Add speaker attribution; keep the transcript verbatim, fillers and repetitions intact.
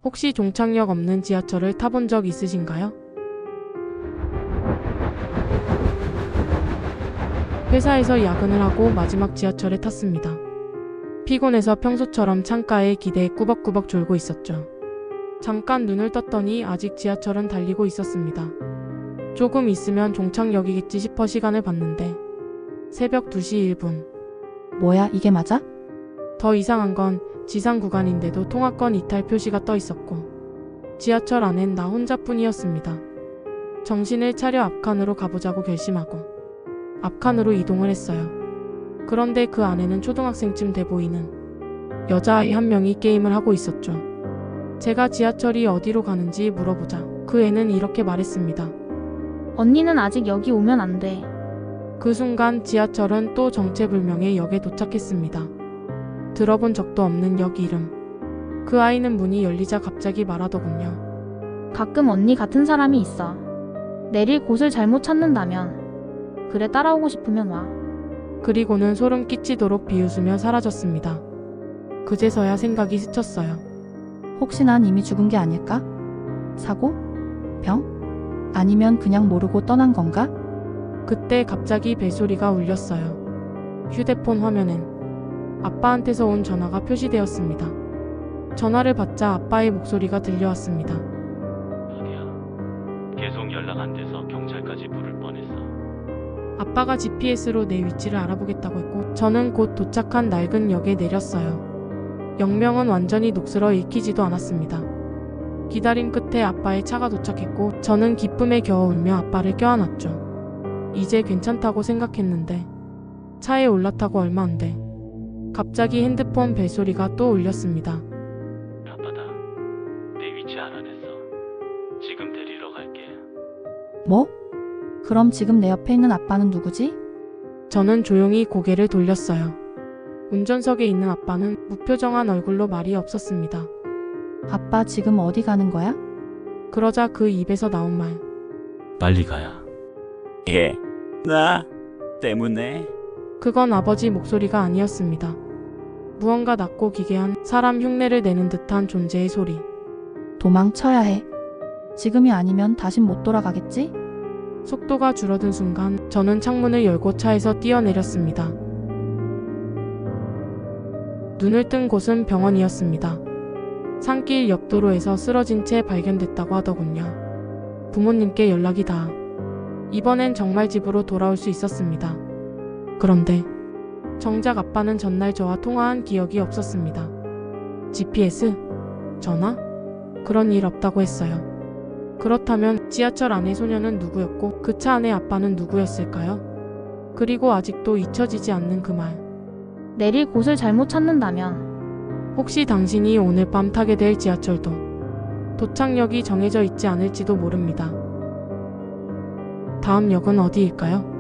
Speaker 1: 혹시 종착역 없는 지하철을 타본 적 있으신가요? 회사에서 야근을 하고 마지막 지하철에 탔습니다. 피곤해서 평소처럼 창가에 기대에 꾸벅꾸벅 졸고 있었죠. 잠깐 눈을 떴더니 아직 지하철은 달리고 있었습니다. 조금 있으면 종착역이겠지 싶어 시간을 봤는데 새벽 두 시 일 분.
Speaker 2: 뭐야, 이게 맞아?
Speaker 1: 더 이상한 건 지상 구간인데도 통화권 이탈 표시가 떠 있었고 지하철 안엔 나 혼자뿐이었습니다. 정신을 차려 앞칸으로 가보자고 결심하고 앞칸으로 이동을 했어요. 그런데 그 안에는 초등학생쯤 돼 보이는 여자아이 한 명이 게임을 하고 있었죠. 제가 지하철이 어디로 가는지 물어보자 그 애는 이렇게 말했습니다.
Speaker 3: 언니는 아직 여기 오면 안 돼.
Speaker 1: 그 순간 지하철은 또 정체불명의 역에 도착했습니다. 들어본 적도 없는 역 이름. 그 아이는 문이 열리자 갑자기 말하더군요.
Speaker 3: 가끔 언니 같은 사람이 있어. 내릴 곳을 잘못 찾는다면. 그래, 따라오고 싶으면 와.
Speaker 1: 그리고는 소름 끼치도록 비웃으며 사라졌습니다. 그제서야 생각이 스쳤어요.
Speaker 2: 혹시 난 이미 죽은 게 아닐까? 사고? 병? 아니면 그냥 모르고 떠난 건가?
Speaker 1: 그때 갑자기 벨소리가 울렸어요. 휴대폰 화면엔 아빠한테서 온 전화가 표시되었습니다. 전화를 받자 아빠의 목소리가 들려왔습니다.
Speaker 4: 어디야? 계속 연락 안 돼서 경찰까지 부를 뻔했어.
Speaker 1: 아빠가 지피에스로 내 위치를 알아보겠다고 했고 저는 곧 도착한 낡은 역에 내렸어요. 역명은 완전히 녹슬어 읽히지도 않았습니다. 기다림 끝에 아빠의 차가 도착했고 저는 기쁨에 겨워 울며 아빠를 껴안았죠. 이제 괜찮다고 생각했는데 차에 올라타고 얼마 안 돼. 갑자기 핸드폰 벨소리가 또 울렸습니다.
Speaker 4: 아빠다. 내 위치 알아냈어. 지금 데리러 갈게.
Speaker 2: 뭐? 그럼 지금 내 옆에 있는 아빠는 누구지?
Speaker 1: 저는 조용히 고개를 돌렸어요. 운전석에 있는 아빠는 무표정한 얼굴로 말이 없었습니다.
Speaker 2: 아빠 지금 어디 가는 거야?
Speaker 1: 그러자 그 입에서 나온 말.
Speaker 4: 빨리 가야.
Speaker 5: 예, 나 때문에.
Speaker 1: 그건 아버지 목소리가 아니었습니다. 무언가 낮고 기괴한 사람 흉내를 내는 듯한 존재의 소리.
Speaker 2: 도망쳐야 해. 지금이 아니면 다신 못 돌아가겠지?
Speaker 1: 속도가 줄어든 순간 저는 창문을 열고 차에서 뛰어내렸습니다. 눈을 뜬 곳은 병원이었습니다. 산길 옆 도로에서 쓰러진 채 발견됐다고 하더군요. 부모님께 연락이 다. 이번엔 정말 집으로 돌아올 수 있었습니다. 그런데 정작 아빠는 전날 저와 통화한 기억이 없었습니다. 지피에스? 전화? 그런 일 없다고 했어요. 그렇다면 지하철 안의 소녀는 누구였고 그 차 안의 아빠는 누구였을까요? 그리고 아직도 잊혀지지 않는 그 말.
Speaker 3: 내릴 곳을 잘못 찾는다면.
Speaker 1: 혹시 당신이 오늘 밤 타게 될 지하철도 도착역이 정해져 있지 않을지도 모릅니다. 다음 역은 어디일까요?